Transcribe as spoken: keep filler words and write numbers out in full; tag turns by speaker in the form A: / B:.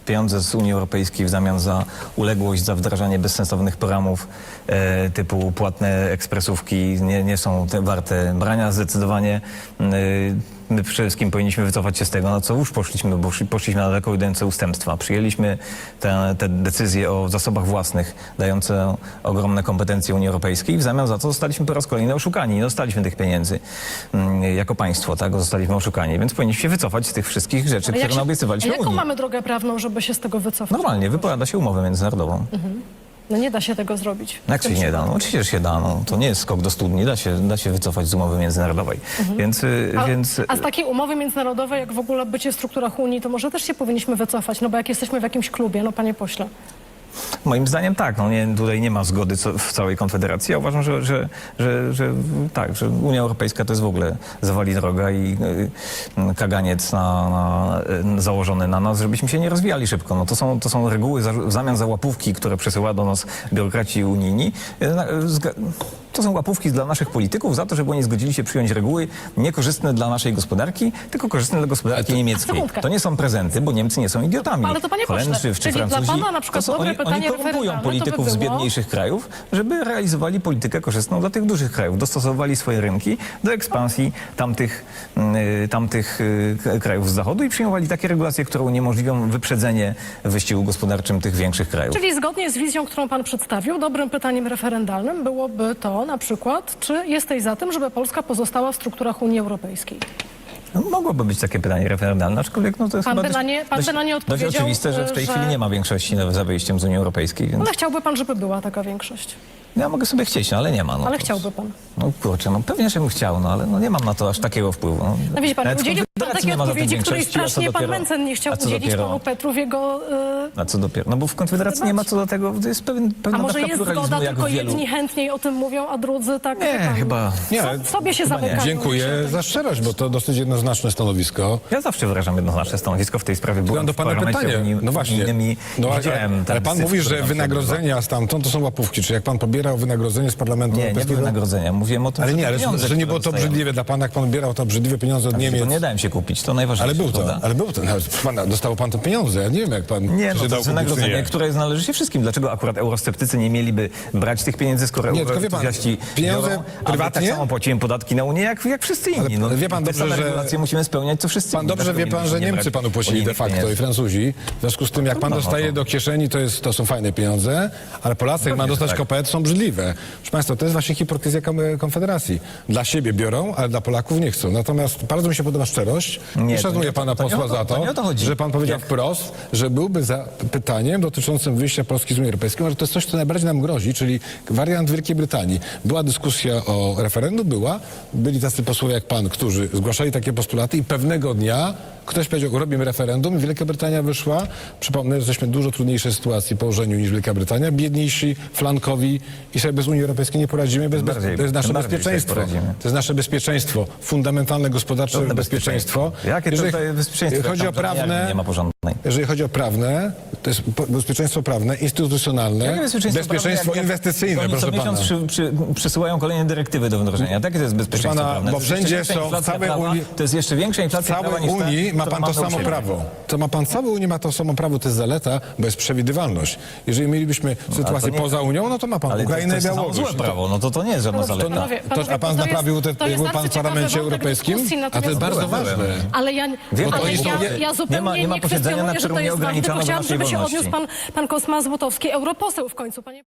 A: pieniądze z Unii Europejskiej w zamian za uległość, za wdrażanie bezsensownych programów e, typu płatne ekspresówki nie, nie są te warte brania zdecydowanie. E, My przede wszystkim powinniśmy wycofać się z tego, na co już poszliśmy, bo poszliśmy na daleko idące ustępstwa. Przyjęliśmy te, te decyzje o zasobach własnych, dające ogromne kompetencje Unii Europejskiej. W zamian za to zostaliśmy po raz kolejny oszukani. Nie dostaliśmy tych pieniędzy mm, jako państwo, tak? Zostaliśmy oszukani, więc powinniśmy się wycofać z tych wszystkich rzeczy, które
B: się,
A: naobiecywaliśmy
B: a jaką
A: Unii.
B: mamy drogę prawną, żeby się z tego wycofać?
A: Normalnie, wypowiada się umowę międzynarodową.
B: Mhm. No nie da się tego zrobić.
A: Jak się nie da? No oczywiście, że się da. No, to nie jest skok do studni, da się, da się wycofać z umowy międzynarodowej. Mhm. Więc,
B: a,
A: więc...
B: a z takiej umowy międzynarodowej, jak w ogóle bycie w strukturach Unii, to może też się powinniśmy wycofać, no bo jak jesteśmy w jakimś klubie, no panie pośle.
A: Moim zdaniem tak, no nie, tutaj nie ma zgody co, w całej Konfederacji. Ja uważam, że, że, że, że tak, że Unia Europejska to jest w ogóle zawali droga i y, kaganiec na, na, y, założony na nas, żebyśmy się nie rozwijali szybko. No to są, to są reguły za, w zamian za łapówki, które przesyła do nas biurokraci unijni. Y, to są łapówki dla naszych polityków za to, żeby oni zgodzili się przyjąć reguły niekorzystne dla naszej gospodarki, tylko korzystne dla gospodarki to, niemieckiej. To nie są prezenty, bo Niemcy nie są idiotami.
B: Ale to panie
A: Holendrzy
B: pośle,
A: czy
B: czyli
A: Francuzi,
B: dla pana na przykład
A: to są,
B: dobre
A: oni,
B: pytanie
A: oni korumpują
B: referendalne
A: polityków
B: to by
A: z
B: było...
A: biedniejszych krajów, żeby realizowali politykę korzystną dla tych dużych krajów. Dostosowali swoje rynki do ekspansji tamtych, y, tamtych y, krajów z zachodu i przyjmowali takie regulacje, które uniemożliwią wyprzedzenie w wyścigu gospodarczym tych większych krajów.
B: Czyli zgodnie z wizją, którą pan przedstawił, dobrym pytaniem referendalnym byłoby to na przykład, czy jesteś za tym, żeby Polska pozostała w strukturach Unii Europejskiej?
A: No, mogłoby być takie pytanie referendalne, aczkolwiek no, to jest
B: Pan
A: chyba
B: by na nie- pan
A: dość,
B: by na nie
A: dość
B: odpowiedział,
A: oczywiste, że w tej
B: że-
A: chwili nie ma większości za wyjściem z Unii Europejskiej. Więc...
B: Ale chciałby pan, żeby była taka większość.
A: Ja mogę sobie chcieć, no, ale nie ma. No,
B: Ale
A: to...
B: chciałby pan.
A: No kurczę, no pewnie, że bym chciał, no ale no, nie mam na to aż takiego wpływu. No,
B: No widzi pan,
A: Nawet
B: udzielił pan
A: Konfederacji
B: takiej
A: nie ma za tym
B: odpowiedzi, której
A: większości, a co
B: strasznie pan
A: dopiero-
B: Mencen nie chciał
A: a co
B: udzielić
A: dopiero-
B: panu Petru w jego... Yy...
A: A co dopiero? No bo w Konfederacji nie ma co do tego, to jest pewien,
B: A
A: pewna
B: może
A: dawka
B: jest
A: pluralizmu,
B: zgoda,
A: jak
B: tylko
A: w wielu...
B: jedni chętniej o tym mówią, a drudzy tak... wie
A: Nie,
B: pan,
A: chyba...
C: Nie,
B: so, sobie się
A: chyba nie.
B: zamykają.
C: Dziękuję za szczerość, bo to dosyć jednoznaczne stanowisko.
A: Ja zawsze wyrażam jednoznaczne stanowisko w tej sprawie. Byłem
C: Mam do
A: w
C: pana
A: parlamencie
C: pytanie.
A: unijnym
C: No właśnie.
A: i
C: No, ale,
A: widziałem ten
C: ale pan
A: syf,
C: mówi,
A: który
C: że
A: tam się
C: wynagrodzenia stamtąd to są łapówki. Czy jak pan pobierał wynagrodzenie z Parlamentu
A: odbywa. Nie, nie
C: Europejskiego?
A: wynagrodzenia. Mówiłem o tym,
C: Ale
A: że
C: nie,
A: te
C: ale
A: pieniądze,
C: że nie
A: które
C: było to
A: dostajemy.
C: obrzydliwe dla pana, jak pan pobierał to obrzydliwe pieniądze od Niemiec.
A: To nie dałem się kupić, to najważniejsze.
C: Ale był to,
A: prawda?
C: ale był to. Nawet, pan, dostał pan te pieniądze, ja nie wiem jak pan
A: Nie, no
C: się
A: to
C: dał
A: jest
C: kupić,
A: wynagrodzenie,
C: nie.
A: które należy się wszystkim. Dlaczego akurat eurosceptycy nie mieliby brać tych pieniędzy, skoro
C: Nie, tylko wie pan,
A: euroentuzjaści
C: pieniądze
A: biorą, a my
C: prywatnie?
A: tak samo płacimy podatki na Unię, jak, jak wszyscy inni. No,
C: Ale wie pan
A: te
C: dobrze,
A: same
C: że-
A: regulacje musimy spełniać, co wszyscy
C: Pan
A: inni.
C: dobrze
A: Dlaczego
C: wie pan, że
A: mielibyśmy nie
C: Niemcy
A: brać
C: panu płacili de
A: unijnych
C: facto
A: pieniędzy?
C: i Francuzi. W związku z tym, jak pan
A: No, no,
C: dostaje
A: to-
C: do kieszeni, to, jest, to są fajne pieniądze, ale Polacy, jak ma
A: Pewnie,
C: dostać
A: że tak.
C: kopet, są brzydliwe. Proszę państwa, to jest właśnie hipokryzja Kom- Konfederacji. Dla siebie biorą, ale dla Polaków nie chcą. Natomiast bardzo mi się podoba szczerość
A: Nie,
C: i
A: to
C: szanuję
A: nie-
C: pana
A: to nie
C: posła
A: o to-
C: za
A: to
C: to,
A: nie o to chodzi.
C: że pan powiedział
A: Jak-
C: wprost, że byłby za pytaniem dotyczącym wyjścia Polski z Unii Europejskiej, że to jest coś, co najbardziej nam grozi, czyli wariant Wielkiej Brytanii. Była dyskusja o referendum, była. Byli tacy posłowie jak pan, którzy zgłaszali takie postulaty i pewnego dnia ktoś powiedział, robimy referendum i Wielka Brytania wyszła. Przypomnę, że jesteśmy w dużo trudniejszej sytuacji położeniu niż Wielka Brytania. Biedniejsi, flankowi i sobie bez Unii Europejskiej nie poradzimy. Bez, bez,
A: bardziej-
C: to jest nasze
A: tym bardziej
C: bezpieczeństwo.
A: sobie poradzimy.
C: To jest nasze bezpieczeństwo. Fundamentalne gospodarcze
A: Żadne
C: bezpieczeństwo.
A: Jakie to
C: Jeżeli
A: tutaj bezpieczeństwo?
C: chodzi o
A: Jak tam żadnej
C: prawne...
A: armii nie ma porządnej.
C: Jeżeli chodzi o prawne, to jest po- bezpieczeństwo prawne, instytucjonalne,
A: Jakie
C: bezpieczeństwo,
A: prawne, jak- jak
C: inwestycyjne,
A: Oni co
C: proszę pana.
A: miesiąc przy, przy, przesyłają kolejne dyrektywy do wdrożenia. Takie to jest bezpieczeństwo
C: pana,
A: prawne.
C: bo
A: To jest jeszcze
C: wszędzie
A: większa
C: są- w
A: inflacja
C: całej
A: prawa,
C: Unii-
A: To jest jeszcze większa
C: W
A: inflacja prawa
C: całej
A: niż ta,
C: Unii ma
A: którą
C: pan to
A: mamy u
C: samo
A: siebie.
C: prawo. To ma pan całej Unii ma to samo prawo, to jest zaleta, bo jest przewidywalność. Jeżeli mielibyśmy sytuację
A: nie-
C: poza Unią, no to ma pan
A: Ale
C: Ukrainę
A: to,
C: i
A: to jest samo
C: Białoruś.
A: złe prawo, no to to nie jest żadna zaleta.
B: Panowie,
C: To,
B: panowie,
C: a pan
B: to jest-
C: naprawił, te,
B: to jest
C: był pan w
B: bardzo
C: Parlamencie
B: ciekawy wątek
C: Europejskim?
B: dyskusji,
C: A to jest
B: natomiast-
C: bardzo
A: Byłem,
C: ważne.
A: byłem.
B: Ale ja,
A: Wiem,
B: ale
A: to jest-
B: ja, ja zupełnie
A: nie ma- nie ma
B: nie
A: posiedzenia, na
B: kwestionuję, że
A: którym
B: to
A: nie
B: jest ważne,
A: ograniczano
B: tylko chciałam,
A: naszej
B: żeby się
A: wolności.
B: odniósł pan, pan Kosma Złotowski, europoseł w końcu, panie